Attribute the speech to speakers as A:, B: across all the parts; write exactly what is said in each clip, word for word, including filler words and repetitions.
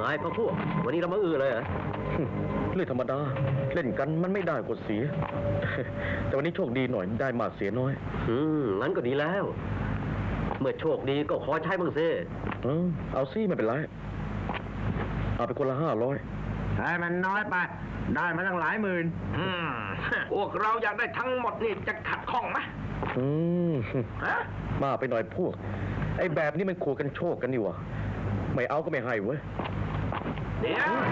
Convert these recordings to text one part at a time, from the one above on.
A: ายพระพวกวันนี้เรามาอื้อเลยเหรอ
B: เรื่องธรรมดาเล่นกันมันไม่ได้กดเสีย แต่วันนี้โชคดีหน่อยได้มากเสียน้อย
A: อืมงั้นก็ดีแล้วเมื่อโชคดีก็ขอใช้บ้างสิ
B: เออเอาซี่ไม่เป็นไรเอาไปคนละห้าร้อย
C: ใช่มันน้อยไปได้มาตั้งหลายหมื่น
D: อืมพวกเราอยากได้ทั้งหมดนี่จะขัดข้องไหม
B: อืม
D: ฮะ
B: มาไปหน่อยพวกไอ้แบบนี้มันขู่กันโชคกันนี่วะไม่เอาก็ไม่ให้เว้ย
D: เดี๋ยว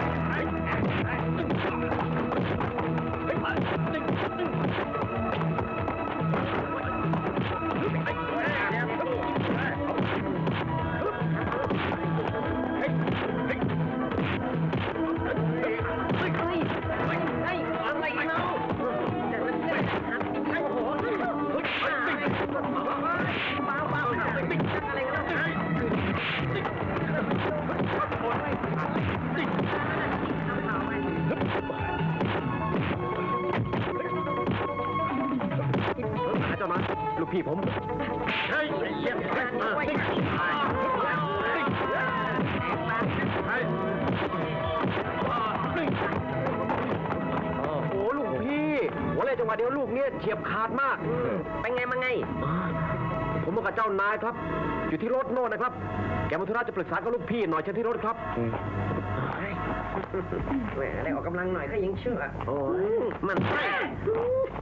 A: เจ้านะลูกพี่ผมเฮ้ยเยี่ยมโอ้โหลูกพี่หัวเลยจังหวะเดียวลูกเนี่ยเฉียบขาดมากเป็นไงมาไงผมมากับเจ้านายครับอยู่ที่รถโน่นนะครับแกมาธุระจะปรึกษากับลูกพี่หน่อยเชิญที่รถครับแหมได้ออกกำลังหน่อยก็ยังเชื่อโอ้ยมัน